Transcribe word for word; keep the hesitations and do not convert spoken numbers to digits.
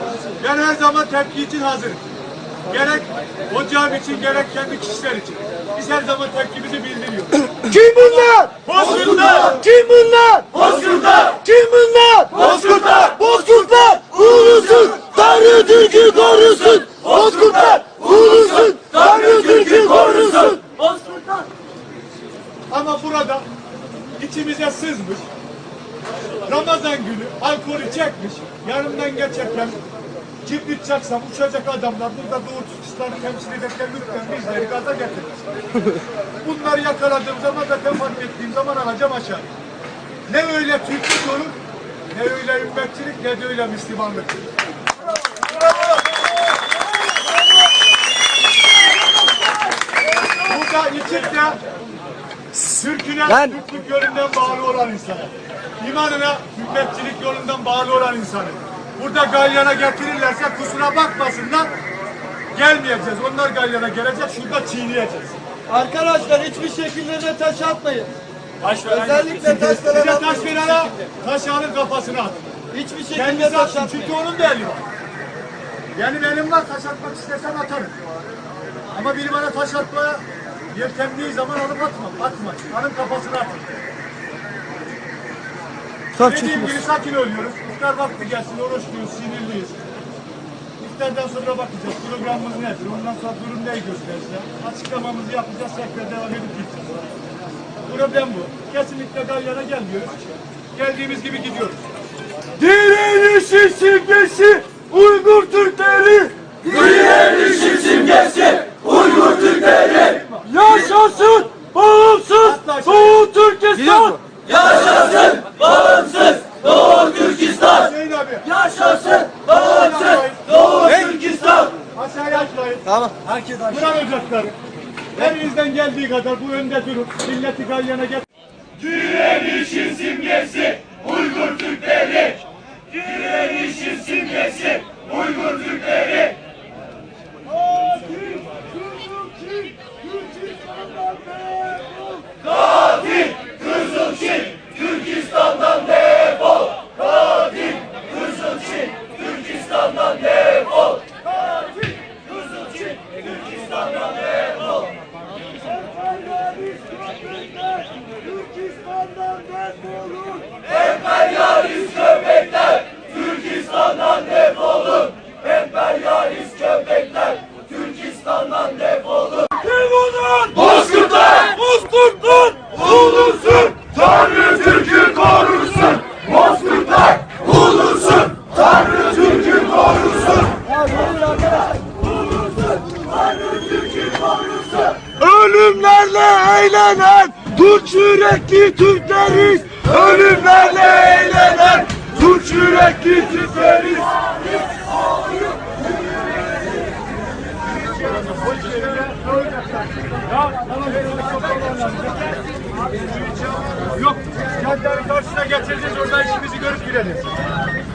Ben her zaman tepki için hazırım. Gerek hocam için, gerek kendi kişiler için. Biz her zaman tepkimizi bildiriyoruz. Kim bunlar? Bozkurtlar! Kim bunlar? Bozkurtlar! Kim bunlar? Bozkurtlar! Bozkurtlar ulusun, Tanrı Türk'ü korusun. Bozkurtlar ulusun, Tanrı Türk'ü korusun. Bozkurtlar! Ama burada içimize sızmış, Ramazan günü alkolü çekmiş, yanımdan geçerken kibrit çaksam uçacak adamlar burada Doğu Türkistan'ı temsil ederken lütfen bizleri gaza getirmiş. Bunları yakaladığım zaman zaten fark ettiğim zaman alacağım aşağı. Ne öyle Türklük olur, ne öyle ümmetçilik, ne de öyle Müslümanlık. Burada içinde Türk'üne, Lan. Türklük yolundan bağlı olan insanı, imanına, ümmetçilik yolundan bağlı olan insanı. Burada galyana getirirlerse kusura bakmasınlar, gelmeyeceğiz. Onlar galyana gelecek, şurada çiğneyeceğiz. Arkadaşlar hiçbir şekilde de taş atmayın. Taş veren, Özellikle taş size veren taş atmayın. verene, taş alın kafasına at. Hiçbir şekilde Kendisi taş atsın, atmayın. çünkü onun da eli var. Benim elim var, taş atmak istesem atarım. Ama biri bana taş atmaya yeltendiği zaman alıp atmam, atma. Alın kafasına atın. Dediğim gibi sakin oluyoruz. İftar vakti gelsin, oruçluyuz, sinirliyiz. İftardan sonra bakacağız. Programımız nedir? Ondan sonra durum neyi gösterse. Açıklamamızı yapacağız. Tekrar devam edip gideceğiz. Problem bu. Kesinlikle galyana gelmiyoruz. Geldiğimiz gibi gidiyoruz. Direnişin simgesi Uygur Türkleri. Direnişin simgesi Uygur Türkleri! Yaşasın bağımsız Doğu Türkistan. Yaşasın bağımsız Doğu Türkistan! Hüseyin abi. Yaşasın bağımsız Doğu Türkistan! Aşağıya atlayın. Tamam. Herkes aşağı. Kur'an ocakları. Elinizden geldiği kadar bu önde durup milleti galyana get. Direnişin simgesi Uygur Türkleri! Direnişin simgesi Uygur Türkleri! Katil Kızılçin Türkistan'dan defol! Katil Kızılçin Türkistan'dan defol! Katil Kızılçin Türkistan'dan defol! Emperyalist köpekler Türkistan'dan defolun! Emperyalist köpekler Türkistan'dan defolun! Kim bunlar? Bozkurtlar! Bozkurtlar ulusun. Tanrı Türk'ü korursun! Bozkurtlar ulusun! Tanrı Türk'ü korursun! Ulusun! Tanrı Türk'ü korursun! Ölümlerle eğlenen Türk yürekli Türkleriz. Ölümlerle eğlenen Türk yürekli Türkleriz. Yok, caddenin karşısına getireceğiz, orada işimizi görüp gidelim.